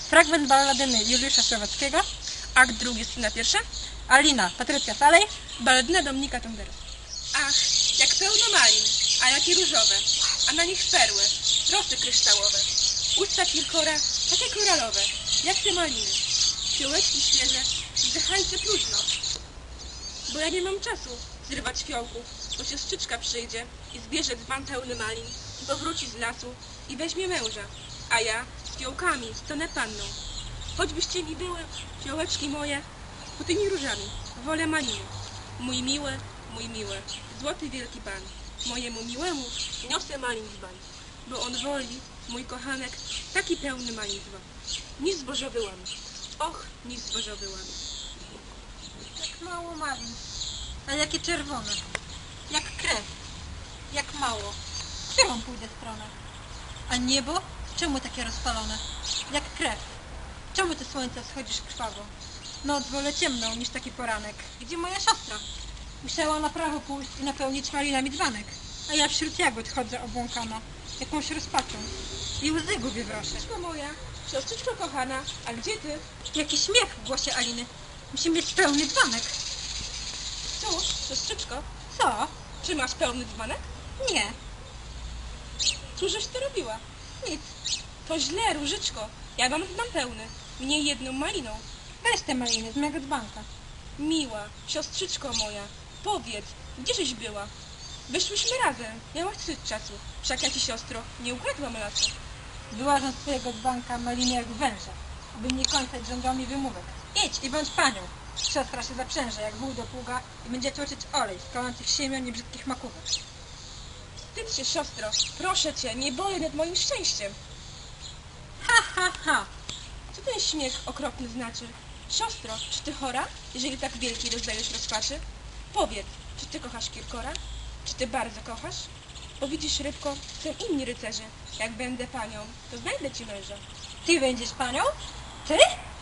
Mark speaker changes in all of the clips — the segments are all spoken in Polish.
Speaker 1: Fragment balladyny Juliusza Słowackiego, akt drugi, scena pierwsza. Alina, Patrycja Salej, balladyna Dominika Tondera.
Speaker 2: Ach, jak pełno malin, a jakie różowe, a na nich perły, rosy kryształowe. Usta kilkora, takie koralowe, jak te maliny. Fiołeczki świeże, wzdychajcie próżno. Bo ja nie mam czasu zrywać fiołków, bo siostrzyczka przyjdzie i zbierze dzban pełny malin i powróci z lasu i weźmie męża, a ja z fiołkami stanę panną. Choćbyście mi były, fiołeczki moje, po tymi różami, wolę maliny. Mój miły, złoty wielki pan, mojemu miłemu niosę malin dzban, bo on woli, mój kochanek, taki pełny malin dzban. Niż zbożowy łan, och, niż zbożowy łan.
Speaker 1: Jak mało malin, a jakie czerwone, jak krew, jak mało. W którą pójdę stronę? A niebo? Czemu takie rozpalone? Jak krew. Czemu ty słońce wschodzisz krwawo? Noc wolę ciemną niż taki poranek. Gdzie moja siostra? Musiała na prawo pójść i napełnić malinami dzbanek. A ja wśród jagód chodzę obłąkana, jakąś rozpaczą. I łzy gubię w rosie.
Speaker 2: Siostrzyczko moja, siostrzyczko kochana, a gdzie ty?
Speaker 1: Jaki śmiech w głosie Aliny. Musi mieć pełny dzbanek.
Speaker 2: Cóż, siostrzyczko,
Speaker 1: Co?
Speaker 2: czy masz pełny dzbanek?
Speaker 1: Nie,
Speaker 2: Cóżeś ty robiła?
Speaker 1: nic.
Speaker 2: To źle, różyczko, ja mam dzban pełny, mnie jedną maliną.
Speaker 1: Weź te maliny z mego dzbanka.
Speaker 2: Miła, siostrzyczko moja, powiedz, gdzieżeś była? Wyszłyśmy razem, miałaś wstyd czasu, wszak ja ci, siostro, nie ukradłam lasu.
Speaker 1: Wyłażę z twojego dzbanka maliny jak węża, aby nie kończyć rządami wymówek. Idź i bądź panią. Siostra się zaprzęże jak wół do pługa i będzie tłoczyć olej z palących siemion i brzydkich makówek.
Speaker 2: Wstydź się, siostro, proszę cię, nie boję nad moim szczęściem.
Speaker 1: Ha, ha, ha.
Speaker 2: Co ten śmiech okropny znaczy? Siostro, czy ty chora, jeżeli tak wielkiej rozdajesz rozpaczy? Powiedz, czy ty kochasz Kirkora? Czy ty bardzo kochasz? Bo widzisz, rybko, są inni rycerze. Jak będę panią, to znajdę ci męża.
Speaker 1: Ty będziesz panią? Ty?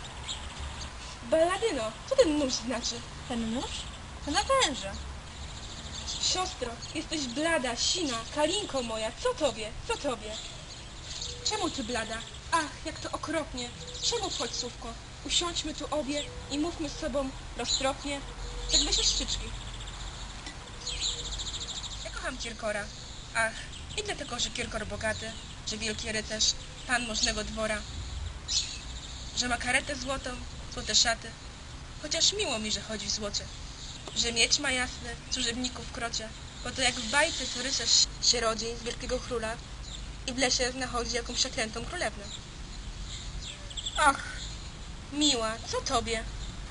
Speaker 2: Balladyno, co ten nóż znaczy?
Speaker 1: Ten nóż? To na węża.
Speaker 2: Siostro, jesteś blada, sina, kalinko moja, co tobie, co tobie? Czemu ty blada? Ach, jak to okropnie. Czemu, chodź, słówko, usiądźmy tu obie i mówmy z sobą roztropnie, jakby siostrzyczki. Ja kocham Kirkora. Ach, i dlatego, że Kirkor bogaty, że wielki rycerz, pan możnego dwora, że ma karetę złotą, złote szaty, chociaż miło mi, że chodzi w złocie, że miecz ma jasny, służebników w krocie, bo to jak w bajce, co rycerz się rodzi z wielkiego króla i w lesie znachodzi jakąś przeklętą królewnę.
Speaker 1: Ach,
Speaker 2: Miła, co tobie?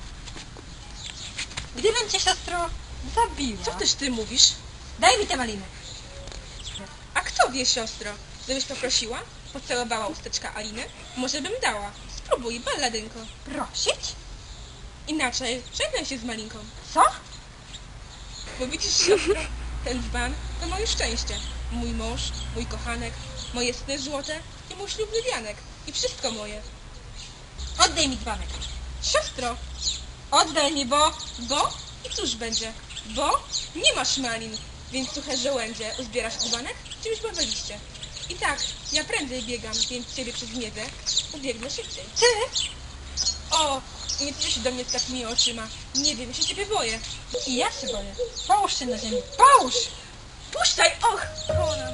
Speaker 1: gdybym cię, siostro, zabiła.
Speaker 2: Co też ty mówisz?
Speaker 1: Daj mi te maliny.
Speaker 2: A kto wie, siostro? Gdybyś poprosiła, pocałowała usteczka Aliny, może bym dała. Spróbuj, balladynko.
Speaker 1: Prosić?
Speaker 2: Inaczej, żegnaj się z malinką.
Speaker 1: Co?
Speaker 2: Bo widzisz, siostro, ten dzban to moje szczęście. Mój mąż, mój kochanek, moje sny złote i mój ślubny wianek. I wszystko moje.
Speaker 1: Oddaj mi dzbanek.
Speaker 2: Siostro, oddaj mi, bo... I cóż będzie? Bo nie masz malin, więc suche żołędzie uzbierasz dzbanek? Czymś bawiliście. I tak, ja prędzej biegam, więc ciebie przez miedzę ubiegnę szybciej.
Speaker 1: Ty?
Speaker 2: O, nie patrz się do mnie z takimi oczyma. Nie wiem, ja się ciebie boję.
Speaker 1: I ja się boję. Połóż się na ziemi. Połóż!
Speaker 2: Puszczaj, och! Konam.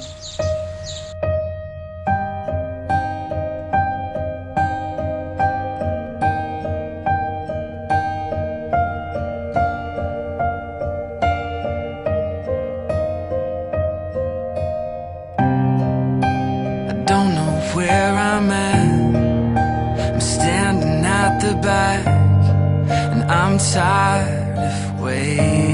Speaker 3: Don't know where I'm at. I'm standing at the back, and I'm tired of waiting.